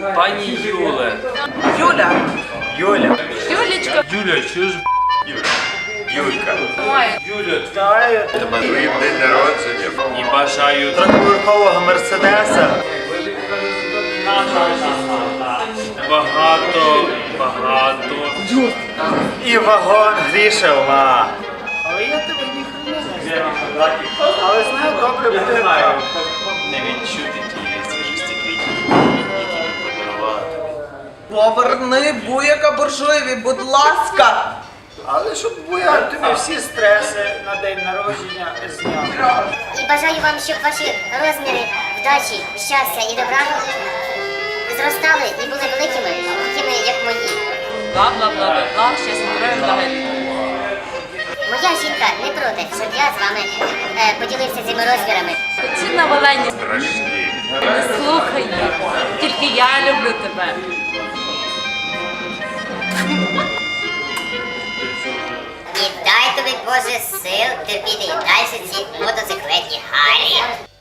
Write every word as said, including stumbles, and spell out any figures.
Пані Юле. Юля. Юля. Юлечка. Юля, що ж? Юлька. Ой. Юля, Вітаю тебе з твоїм день народження. і бажаю Трьохповерхового мерседеса. багато, багато. І вагон грішевма. Але я тебе ніхрена не знаю. Але знаю, добре буде так. Не відчути тієї свіжості квітів, які ми подарували тобі. Поверни буяка буржуєві, будь ласка. Але щоб я тобі всі стреси на день народження зняв. І бажаю вам, щоб ваші розміри вдачі, щастя і добра зростали і були великими, такими, як мої. Бла-бла-бла-бла-бла, ще здоров'я взагалі. Моя жінка не проти, щоб я з вами е, поділився цими розмірами. Ці навалені. Страшні. Не слухай їх. Тільки я люблю тебе. І дай тобі, Боже, сил терпіти і далі ці мотоциклетні Гаррі.